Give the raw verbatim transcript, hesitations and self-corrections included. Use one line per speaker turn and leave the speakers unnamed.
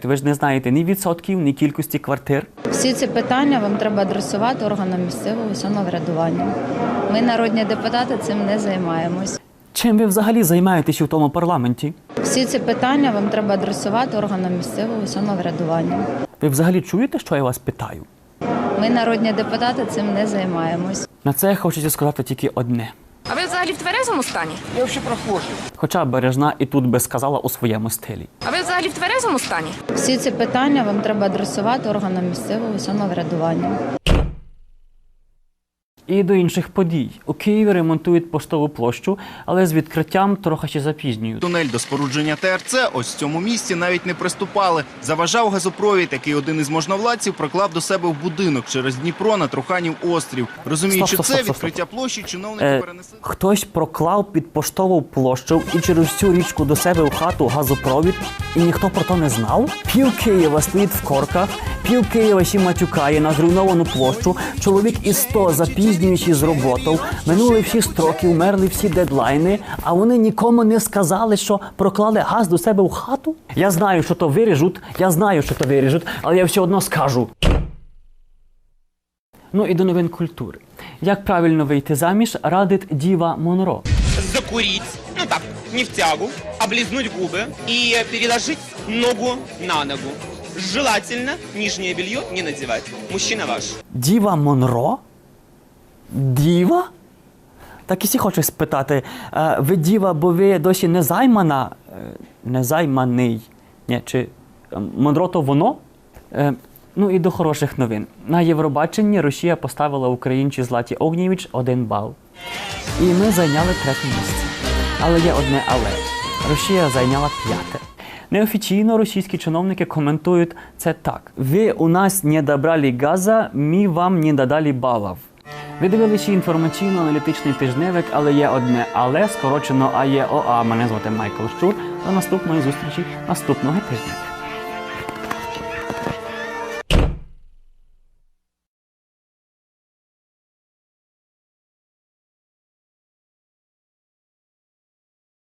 знаєте? Ви ж не знаєте ні відсотків, ні кількості квартир.
Всі ці питання вам треба адресувати органам місцевого самоврядування. Ми, народні депутати, цим не займаємось.
Чим ви взагалі займаєтесь у тому парламенті?
Всі ці питання вам треба адресувати органам місцевого самоврядування.
Ви взагалі чуєте, що я вас питаю?
Ми, народні депутати, цим не займаємось.
На це хочеться сказати тільки одне.
А ви взагалі в тверезому стані?
Я вообще прохожий.
Хоча Бережна і тут би сказала у своєму стилі.
А ви взагалі в тверезому стані?
Всі ці питання вам треба адресувати органам місцевого самоврядування.
І до інших подій. У Києві ремонтують Поштову площу, але з відкриттям трохи ще запізнюють.
Тунель до спорудження Те Ер Це ось в цьому місці навіть не приступали. Заважав газопровід, який один із можновладців проклав до себе в будинок через Дніпро на Труханів острів. Розуміючи
Стоп, стоп,
це,
стоп, стоп,
відкриття площі чиновники
Е,
перенесли.
хтось проклав під Поштову площу і через цю річку до себе в хату газопровід, і ніхто про то не знав? Пів Києва стоїть в корках, пів Києва ще матюкає на зруйновану площу, чоловік із сто запізнюючи з роботою, минули всі строки, умерли всі дедлайни, а вони нікому не сказали, що проклали газ до себе в хату? Я знаю, що то виріжуть, я знаю, що то виріжуть, але я все одно скажу. Ну і до новин культури. Як правильно вийти заміж, радить Діва Монро.
Закурить, ну так, не в тягу, облизнуть губы и переложить ногу на ногу. Желательно нижнее белье не надевать. Мужчина ваш.
Діва Монро? Діва? Так і всі хочу спитати, е, ви діва, бо ви досі не займана, е, не займаний, ні, чи е, Монро то воно? Е, ну і до хороших новин. На Євробаченні Росія поставила українці Златі Огнєвіч один бал. І ми зайняли третє місце. Але є одне але. Росія зайняла п'яте. Неофіційно російські чиновники коментують це так. Ви у нас не добрали газа, ми вам не додали балів. Ви дивилися інформаційно-аналітичний тижневик, але є одне але, скорочено АЄОА. Мене звати Майкл Щур. До наступної зустрічі наступного тижня.